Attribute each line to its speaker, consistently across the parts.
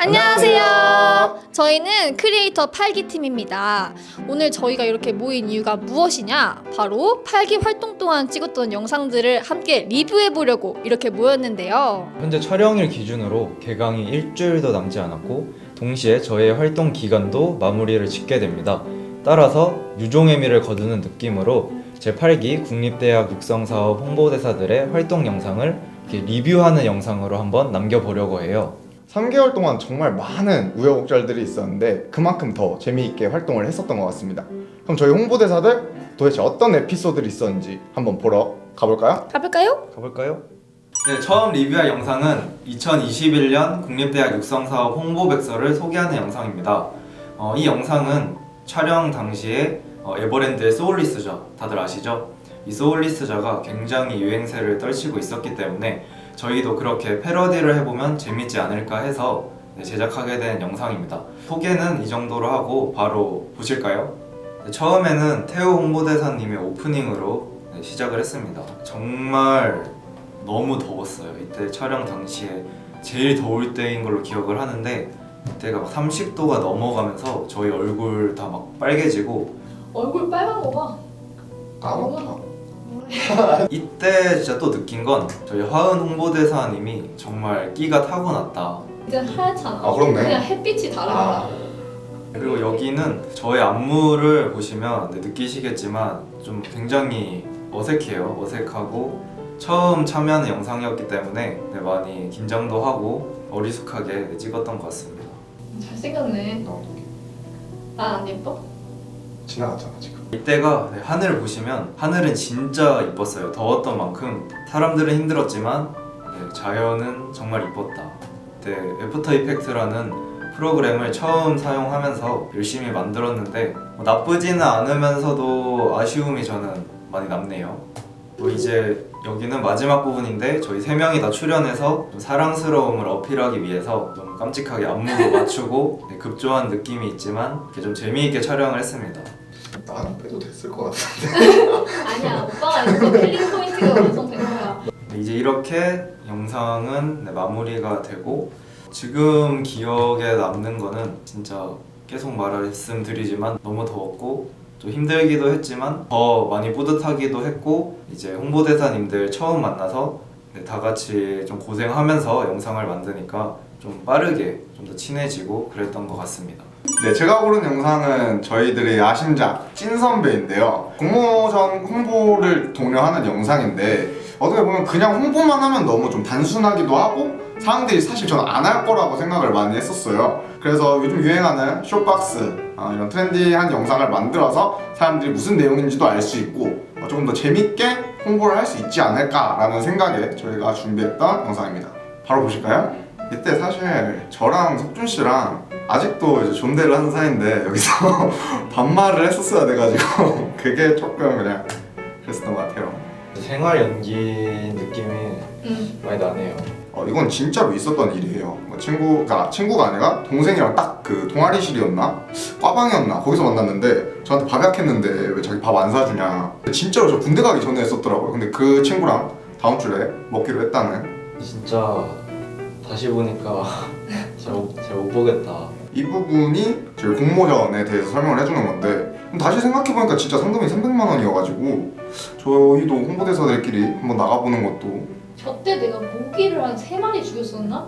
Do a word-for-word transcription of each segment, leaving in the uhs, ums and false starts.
Speaker 1: 안녕하세요. 저희는 크리에이터 팔 기 팀입니다. 오늘 저희가 이렇게 모인 이유가 무엇이냐? 바로 팔 기 활동 동안 찍었던 영상들을 함께 리뷰해보려고 이렇게 모였는데요.
Speaker 2: 현재 촬영일 기준으로 개강이 일주일도 남지 않았고 동시에 저의 활동 기간도 마무리를 짓게 됩니다. 따라서 유종의미를 거두는 느낌으로 제팔 기 국립대학 육성사업 홍보대사들의 활동 영상을 이렇게 리뷰하는 영상으로 한번 남겨보려고 해요.
Speaker 3: 삼 개월 동안 정말 많은 우여곡절들이 있었는데 그만큼 더 재미있게 활동을 했었던 것 같습니다. 그럼 저희 홍보대사들 도대체 어떤 에피소드들이 있었는지 한번 보러 가볼까요?
Speaker 1: 가볼까요?
Speaker 2: 가볼까요? 네, 처음 리뷰할 영상은 이천이십일 년 국립대학 육성사업 홍보백서를 소개하는 영상입니다. 어, 이 영상은 촬영 당시에 어, 에버랜드의 소울리스저, 다들 아시죠? 이 소울리스저가 굉장히 유행세를 떨치고 있었기 때문에 저희도 그렇게 패러디를 해보면 재밌지 않을까 해서 네, 제작하게 된 영상입니다. 소개는 이 정도로 하고 바로 보실까요? 네, 처음에는 태호 홍보대사님의 오프닝으로 네, 시작을 했습니다. 정말 너무 더웠어요. 이때 촬영 당시에 제일 더울 때인 걸로 기억을 하는데 이때가 막 삼십 도가 넘어가면서 저희 얼굴 다 막 빨개지고
Speaker 1: 얼굴 빨간 거 봐.
Speaker 3: 까맣다.
Speaker 2: 이때 진짜 또 느낀 건 저희 화은 홍보대사님이 정말 끼가 타고났다.
Speaker 1: 이제 하얗잖아.
Speaker 3: 아, 그렇네.
Speaker 1: 그냥 햇빛이 다른
Speaker 3: 아.
Speaker 1: 거야.
Speaker 2: 그리고 여기는 저의 안무를 보시면 네, 느끼시겠지만 좀 굉장히 어색해요. 어색하고 처음 참여하는 영상이었기 때문에 네, 많이 긴장도 하고 어리숙하게 네, 찍었던 것 같습니다.
Speaker 1: 잘생겼네. 난 안 예뻐?
Speaker 3: 지나갔잖아 지금.
Speaker 2: 이때가 네, 하늘을 보시면 하늘은 진짜 이뻤어요. 더웠던 만큼 사람들은 힘들었지만 네, 자연은 정말 이뻤다. 그때 애프터 이펙트라는 프로그램을 처음 사용하면서 열심히 만들었는데 뭐 나쁘지는 않으면서도 아쉬움이 저는 많이 남네요. 뭐 이제 여기는 마지막 부분인데 저희 세 명이 다 출연해서 좀 사랑스러움을 어필하기 위해서 좀 깜찍하게 안무도 맞추고 네, 급조한 느낌이 있지만 이렇게 좀 재미있게 촬영을 했습니다.
Speaker 3: 나는 빼도 됐을 것 같은데.
Speaker 1: 아니야. 오빠가 이거 킬링 포인트가 완성된 거야.
Speaker 2: 네, 이제 이렇게 영상은 네, 마무리가 되고 지금 기억에 남는 거는 진짜 계속 말씀드리지만 너무 더웠고 좀 힘들기도 했지만 더 많이 뿌듯하기도 했고 이제 홍보대사님들 처음 만나서 네, 다 같이 좀 고생하면서 영상을 만드니까 좀 빠르게 좀 더 친해지고 그랬던 것 같습니다.
Speaker 3: 네, 제가 고른 영상은 저희들의 야심작 찐선배인데요. 공모전 홍보를 독려하는 영상인데 어떻게 보면 그냥 홍보만 하면 너무 좀 단순하기도 하고 사람들이 사실 저는 안 할 거라고 생각을 많이 했었어요. 그래서 요즘 유행하는 쇼박스 어, 이런 트렌디한 영상을 만들어서 사람들이 무슨 내용인지도 알 수 있고 어, 조금 더 재밌게 홍보를 할 수 있지 않을까라는 생각에 저희가 준비했던 영상입니다. 바로 보실까요? 이때 사실 저랑 석준 씨랑 아직도 이제 존대를 하는 사이인데 여기서 반말을 했었어야 돼가지고 그게 조금 그냥 그랬었던 것 같아요.
Speaker 2: 생활 연기 느낌이
Speaker 1: 응.
Speaker 2: 많이 나네요.
Speaker 3: 어, 이건 진짜로 있었던 일이에요. 뭐 친구가 친구가 아니라 동생이랑 딱 그 동아리실이었나 과방이었나 거기서 만났는데 저한테 밥 약했는데 왜 자기 밥 안 사주냐. 진짜로 저 군대 가기 전에 했었더라고요. 근데 그 친구랑 다음 주에 먹기로 했다는.
Speaker 2: 진짜 다시 보니까 잘 못 보겠다.
Speaker 3: 이 부분이 저희 공모전에 대해서 설명을 해주는 건데 다시 생각해보니까 진짜 상금이 삼백만 원이어가지고 저희도 홍보대사들끼리 한번 나가보는 것도.
Speaker 1: 저때 내가 모기를 한 세 마리 죽였었나?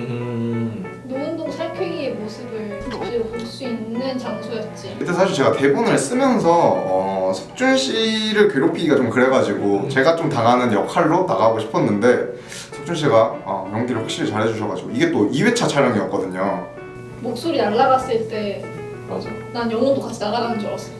Speaker 2: 음...
Speaker 1: 노은동 살쾡이의 모습을 볼 수 있는 장소였지.
Speaker 3: 그때 사실 제가 대본을 쓰면서 어, 석준 씨를 괴롭히기가 좀 그래가지고 제가 좀 당하는 역할로 나가고 싶었는데 석준 씨가 어, 연기를 확실히 잘해주셔가지고 이게 또 이 회차 촬영이었거든요.
Speaker 1: 목소리 날라갔을 때
Speaker 2: 맞아.
Speaker 1: 난 영혼도 같이 날아가는 줄 알았어.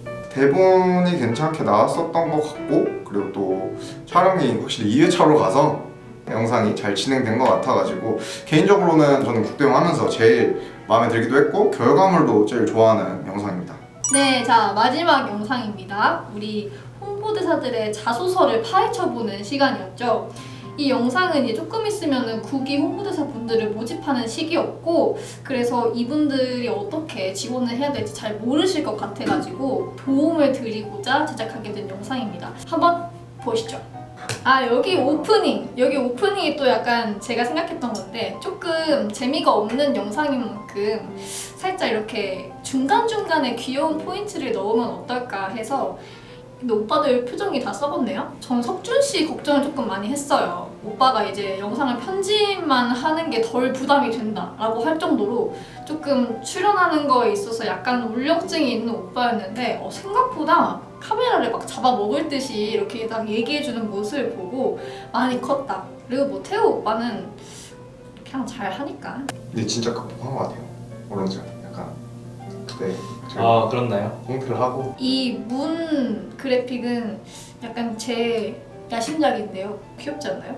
Speaker 3: 대본이 괜찮게 나왔었던 것 같고 그리고 또 촬영이 확실히 이 회차로 가서 영상이 잘 진행된 것 같아가지고 개인적으로는 저는 국대용 하면서 제일 마음에 들기도 했고 결과물도 제일 좋아하는 영상입니다.
Speaker 1: 네, 자 마지막 영상입니다. 우리 홍보대사들의 자소서를 파헤쳐보는 시간이었죠. 이 영상은 이제 조금 있으면은 국기 홍보대사 분들을 모집하는 시기였고 그래서 이분들이 어떻게 지원을 해야 될지 잘 모르실 것 같아가지고 도움을 드리고자 제작하게 된 영상입니다. 한번 보시죠. 아 여기 오프닝 여기 오프닝이 또 약간 제가 생각했던 건데 조금 재미가 없는 영상인 만큼 살짝 이렇게 중간중간에 귀여운 포인트를 넣으면 어떨까 해서. 근데 오빠들 표정이 다 썩었네요? 전 석준 씨 걱정을 조금 많이 했어요. 오빠가 이제 영상을 편집만 하는 게 덜 부담이 된다라고 할 정도로 조금 출연하는 거에 있어서 약간 울렁증이 있는 오빠였는데 어, 생각보다 카메라를 막 잡아먹을 듯이 이렇게 딱 얘기해주는 모습을 보고 많이 컸다. 그리고 뭐 태우 오빠는 그냥 잘 하니까.
Speaker 3: 근데 진짜 극복한 것 같아요. 오른쪽 약간 그때 제가
Speaker 2: 아 그렇나요?
Speaker 3: 홈트를 하고
Speaker 1: 이 문 그래픽은 약간 제 야심작인데요. 귀엽지 않나요?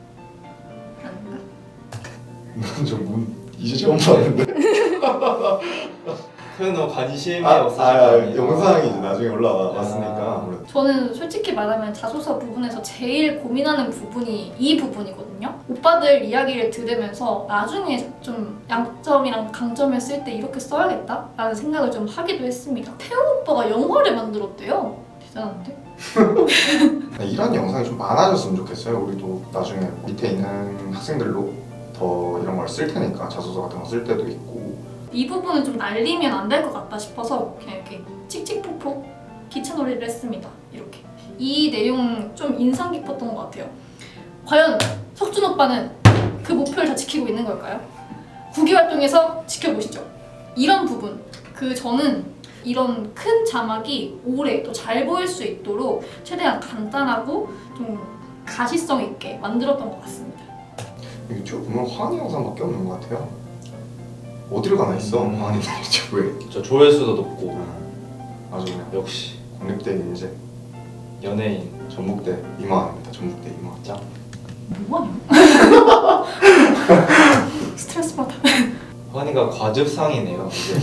Speaker 1: 아닌가?
Speaker 3: 저문 이제 처음 봤는데.
Speaker 2: 태훈 관심이
Speaker 3: 아,
Speaker 2: 없으실
Speaker 3: 아,
Speaker 2: 거 아니에요?
Speaker 3: 영상이 이제 나중에 올라왔으니까
Speaker 2: 아.
Speaker 3: 아무래도.
Speaker 1: 저는 솔직히 말하면 자소서 부분에서 제일 고민하는 부분이 이 부분이거든요. 오빠들 이야기를 들으면서 나중에 좀 양점이랑 강점을 쓸 때 이렇게 써야겠다라는 생각을 좀 하기도 했습니다. 태호 오빠가 영화를 만들었대요. 대단한데?
Speaker 3: 이런 영상이 좀 많아졌으면 좋겠어요. 우리도 나중에 밑에 있는 학생들로 더 이런 걸 쓸 테니까 자소서 같은 거 쓸 때도 있고.
Speaker 1: 이 부분은 좀 날리면 안 될 것 같다 싶어서 그냥 이렇게 칙칙폭폭 기차놀이를 했습니다. 이렇게. 이 내용 좀 인상 깊었던 것 같아요. 과연 석준 오빠는 그 목표를 다 지키고 있는 걸까요? 국위 활동에서 지켜보시죠. 이런 부분, 그 저는 이런 큰 자막이 오래 또 잘 보일 수 있도록 최대한 간단하고 좀 가시성 있게 만들었던 것 같습니다.
Speaker 3: 유튜브 보면 환희 영상밖에 없는 것 같아요. 어디를 가나 있어
Speaker 2: 음.
Speaker 3: 환희 유튜브에.
Speaker 2: 저 조회수도 높고
Speaker 3: 아주 그냥
Speaker 2: 역시
Speaker 3: 국립대 인재
Speaker 2: 연예인
Speaker 3: 전북대 이만입니다. 전북대 이만.
Speaker 2: 짱.
Speaker 1: 뭐하냐? 스트레스 받아.
Speaker 2: 환희가 과즙상이네요. 이제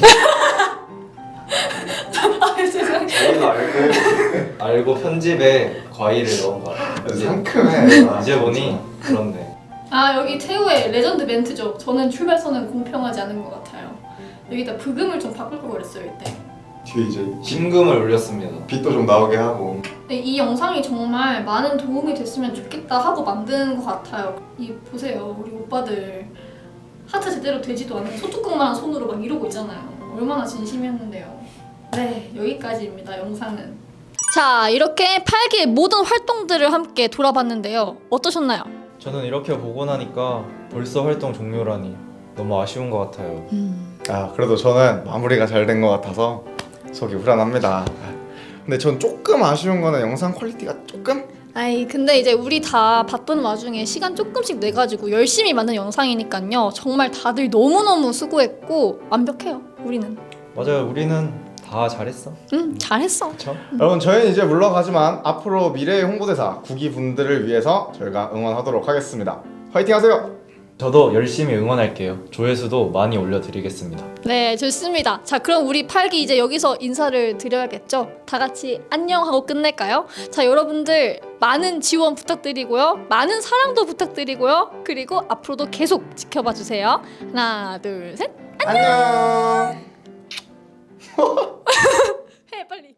Speaker 1: 아 죄송해요.
Speaker 2: 저희도 알고 알고 편집에 과일을 넣은 거 같아요. 이제,
Speaker 3: 상큼해.
Speaker 2: 이제 보니 그렇네.
Speaker 1: 아 여기 태우의 레전드 멘트죠. 저는 출발선은 공평하지 않은 것 같아요. 여기다 브금을 좀 바꿀 걸 그랬어요 이때.
Speaker 3: 뒤에 이제
Speaker 2: 심금을 올렸습니다.
Speaker 3: 빛도 좀 나오게 하고.
Speaker 1: 근데 이 영상이 정말 많은 도움이 됐으면 좋겠다 하고 만든 것 같아요. 이 보세요 우리 오빠들 하트 제대로 되지도 않는 소뚜껑만한 손으로 막 이러고 있잖아요. 얼마나 진심이었는데요. 네 여기까지입니다 영상은. 자 이렇게 팔 기의 모든 활동들을 함께 돌아봤는데요. 어떠셨나요?
Speaker 2: 저는 이렇게 보고 나니까 벌써 활동 종료라니 너무 아쉬운 것 같아요.
Speaker 3: 아 그래도 저는 마무리가 잘 된 것 같아서 속이 후련합니다. 근데 전 조금 아쉬운 거는 영상 퀄리티가 조금?
Speaker 1: 아이 근데 이제 우리 다 바쁜 와중에 시간 조금씩 내가지고 열심히 만든 영상이니까요. 정말 다들 너무너무 수고했고 완벽해요 우리는.
Speaker 2: 맞아요. 우리는 다 잘했어.
Speaker 1: 응 잘했어.
Speaker 2: 그렇죠?
Speaker 3: 여러분 저희는 이제 물러가지만 앞으로 미래의 홍보대사 구기 분들을 위해서 저희가 응원하도록 하겠습니다. 화이팅 하세요.
Speaker 2: 저도 열심히 응원할게요. 조회수도 많이 올려드리겠습니다.
Speaker 1: 네 좋습니다. 자 그럼 우리 팔 기 이제 여기서 인사를 드려야겠죠. 다 같이 안녕 하고 끝낼까요? 자 여러분들 많은 지원 부탁드리고요. 많은 사랑도 부탁드리고요. 그리고 앞으로도 계속 지켜봐 주세요. 하나 둘 셋.
Speaker 3: 안녕.
Speaker 1: 해 빨리.